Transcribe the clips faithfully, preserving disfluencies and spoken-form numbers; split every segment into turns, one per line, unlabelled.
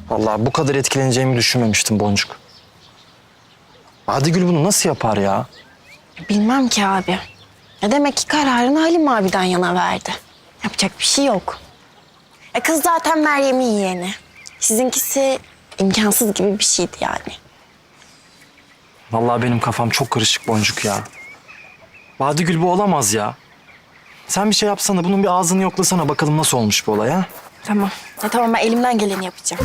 Vallahi bu kadar etkileneceğimi düşünmemiştim Boncuk. Badigül bunu nasıl yapar ya?
Bilmem ki abi. Ya demek ki kararını Halim abiden yana verdi. Yapacak bir şey yok. E kız zaten Meryem'in yeğeni. Sizinkisi imkansız gibi bir şeydi yani.
Vallahi benim kafam çok karışık Boncuk ya. Badigül bu olamaz ya. Sen bir şey yapsana, bunun bir ağzını yoklasana bakalım nasıl olmuş bu olay ha?
Tamam. Ya tamam, ben elimden geleni yapacağım.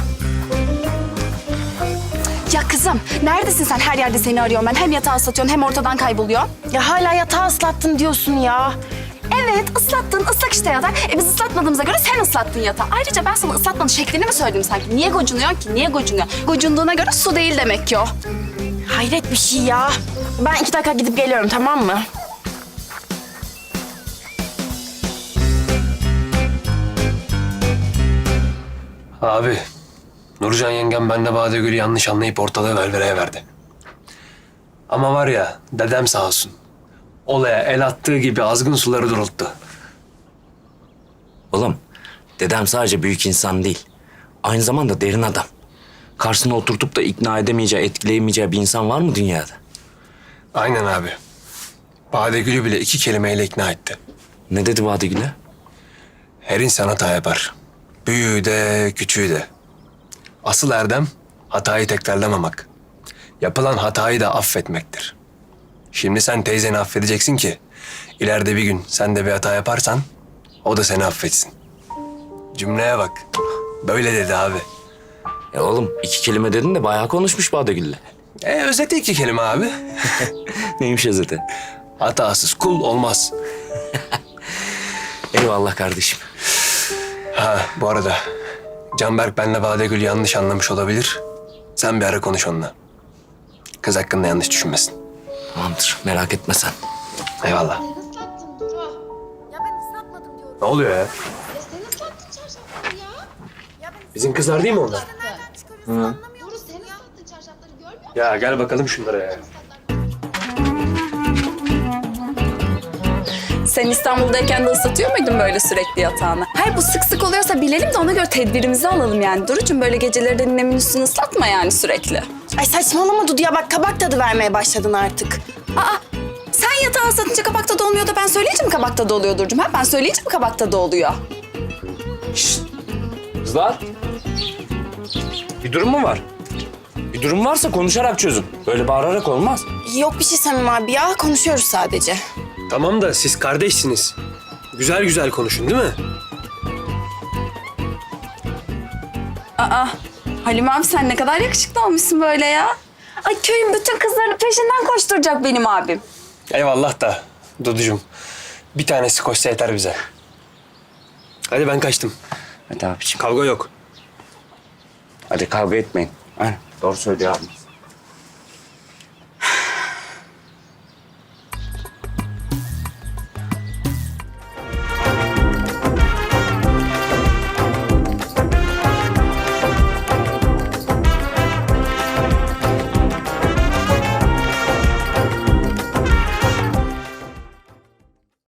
Ya kızım neredesin sen? Her yerde seni arıyorum ben. Hem yatağı ıslatıyorsun hem ortadan kayboluyor.
Ya hala yatağı ıslattın diyorsun ya.
Evet ıslattın. Islak işte yatak. E biz ıslatmadığımıza göre sen ıslattın yatağı. Ayrıca ben sana ıslatmanın şeklini mi söyledim sanki? Niye gocunuyorsun ki? Niye gocunuyor? Gocunduğuna göre su değil demek ki o.
Hayret bir şey ya. Ben iki dakika gidip geliyorum, tamam mı?
Abi, Nurcan yengem benle Badegül'ü yanlış anlayıp ortalığı velveleye verdi. Ama var ya, dedem sağ olsun. Olaya el attığı gibi azgın suları durulttu.
Oğlum, dedem sadece büyük insan değil. Aynı zamanda derin adam. Karşısına oturtup da ikna edemeyeceği, etkileyemeyeceği bir insan var mı dünyada?
Aynen abi. Badegül'ü bile iki kelimeyle ikna etti.
Ne dedi Badigül'e?
Her insan hata yapar. Büyüğü de, küçüğü de. Asıl erdem hatayı tekrarlamamak. Yapılan hatayı da affetmektir. Şimdi sen teyzeni affedeceksin ki ileride bir gün sen de bir hata yaparsan o da seni affetsin. Cümleye bak. Böyle dedi abi.
E oğlum, iki kelime dedin de bayağı konuşmuş Badigül'le.
E özeti iki kelime abi.
Neymiş özeti?
Hatasız kul olmaz.
Eyvallah kardeşim.
Ha bu arada Canberk benle Badegül yanlış anlamış olabilir. Sen bir ara konuş onunla. Kız hakkında yanlış düşünmesin.
Tamamdır, merak etme sen.
Eyvallah.
Islattım Duru. Ya ben ıslatmadım diyorum.
Ne oluyor ya?
Ya sen ıslattın çarşafları ya. Ya ben
Bizim kızlar değil mi onlar?
nereden çıkarıyorsun anlamıyor musun ya? Duru sen ıslattın çarşafları görmüyor musun?
Ya gel bakalım şunlara ya.
Sen İstanbul'dayken de ıslatıyor muydun böyle sürekli yatağını? Hayır bu sık sık oluyorsa bilelim de ona göre tedbirimizi alalım yani. Duru'cum böyle geceleri de ninemin üstünü ıslatma yani sürekli.
Ay saçmalama Dudu ya, bak kabak tadı vermeye başladın artık.
Aa sen yatağı ıslatınca kabak tadı olmuyor da ben söyleyince mi kabak tadı oluyor Duru'cum? Ha? Ben söyleyince mi kabak tadı oluyor?
Kızlar. Bir durum mu var? Bir durum varsa konuşarak çözün. Böyle bağırarak olmaz.
Yok bir şey Samim abi ya, konuşuyoruz sadece.
Tamam da siz kardeşsiniz. Güzel güzel konuşun değil mi?
Aa Halim abi sen ne kadar yakışıklı olmuşsun böyle ya. Ay köyün bütün kızlarının peşinden koşturacak benim abim.
Eyvallah da Duducuğum. Bir tanesi koşsa yeter bize. Hadi ben kaçtım.
Hadi abiciğim.
Kavga yok.
Hadi kavga etmeyin. Aynen, doğru söylüyor abi.